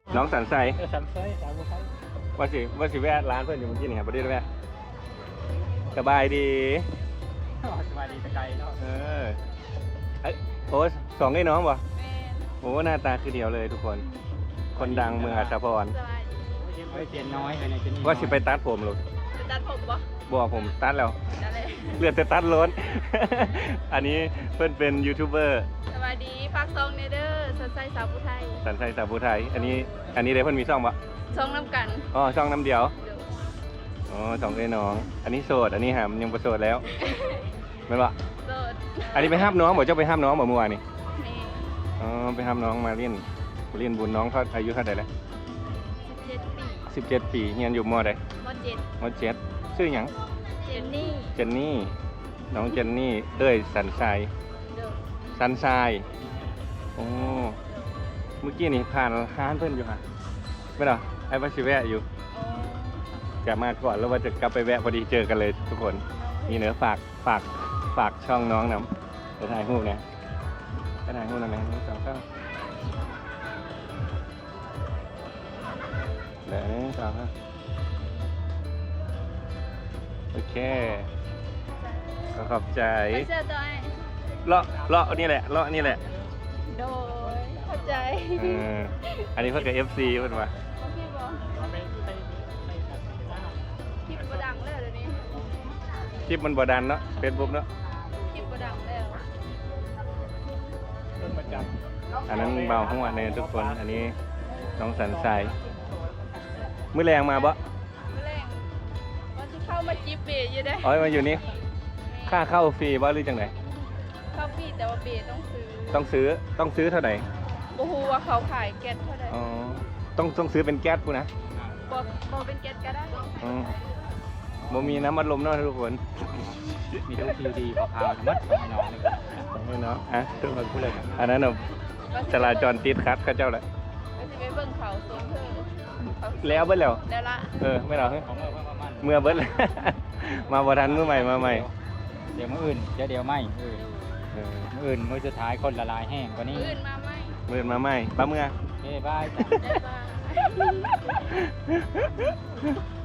น้องสันไซสันไซสาวไซว่าสิแวะร้านเพื่อนอยู่เมื่อกี้นี่ครับประเดี๋ยวแวะสบายดีสบายดีตะไคร้เนาะโอ้สองไอ้น้องบ่แม่โอ้หน้าตาคือเดียวเลยทุกคน คนดังเมืองอัศพรสบายดีเตียนน้อยอะไรจะนี่ว่าสิไปตัดผมลูกจะตัดผมปะบอกผมตัดแล้วนั่นแหละเลือดจะตัดล้น อันนี้เพื่อนเป็นยูทูบเบอร์สบายดีฝากซองเนเดอร์สนใจสาวผู้ไทยสันไซสาวผู้ไทย อันนี้ได้เพื่อนมีช่องปะซองน้ำกันอ๋อช่องน้ำเดียวเดี๋ยวอ๋อสองไอ้น้อง อันนี้โสด อันนี้หามยังประโสดแล้วไม่ปะโสดอันนี้ไปห้ามน้องบอกเจ้าไปห้ามน้องบอกเมื่อวานนี่นี่อ๋อไปห้ามน้องมาเรียนบุญน้องเขาอายุเท่าไหร่แล้ว 17 ปี 17 ปีเรียนอยู่มอใดม.7 มอ7ชื่อหยังเจนนี่เจนนี่ น้องเจนนี่เอ้ยสันทรายเดี๋ยวสันทรายโอ้เมื่อกี้นี่ผ่านร้านเพื่อนอยู่ค่ะไม่หรอไอ้วัชิแวะอยู่โอ้จะมาก่อนแล้วว่าจะกลับไปแวะพอดีเจอกันเลยทุกคนนี่เนื้อฝากช่องน้องนำไปถ่ายรูปนะไปถ่ายรูปหน่อยนะ1 2 3เดี๋ยว1 2 3โอเคก็ขอบใจไปเจอตัวไอ้เลาะนี่แหละเลาะนี่แหละโดยเข้าใจเอออันนี้เพื่อนกับ FC เพื่อนว่าพี่บอกมาเป็นไส้คลิปประดังแล้วเดี๋ยวนี้คลิปมันบดันเนาะเฟซบุ๊กเนาะคลิปประดังแล้วต้นประจอันนั้นเบาหัวเนี่ยทุกคนอันนี้น้องสันทรายมื้อแรงมาบ่แรงว่าจะเข้ามาจีบเบย์อยู่ได้อ๋อมาอยู่นี่ค่าเข้าฟรีบ่หรือจังไหนเข้าปีแต่ว่าเบย์ต้องซื้อต้องซื้อเท่าไหร่บ่ฮู้ว่าเขาขายแก๊สเท่าใดอ๋อต้องซื้อเป็นแก๊สปุ๊นะบ่เป็นแก๊สก็ได้อ๋อบ่มีน้ำอัดลมเนาะทุกคนำมีทุกคิวดีพอพาวมัดให้น้องเลยให้เนาะอ่ะทุกคนพูดเลยอันนั้นน่ะจราจรติดคัดเขาเจ้าแหละก็สิไปเบิ่งเขาสวนเธอเขาแล้วเบิดแล้วแล้วละไม่เหรอของเมื่อประมาณเมื่อเบิดแล้ว มาบ่ทันมื้อใหม่มาใหม่เดี๋ยวมื้ออื่นเดี๋ยวไม่เออมื้ออื่นมื้อสุดท้ายคนละลายแห้งกว่านี้อื่นมาไหมมื้อมาใหม่ป้าเมื่อเฮ้บายจ้ะได้บ้าง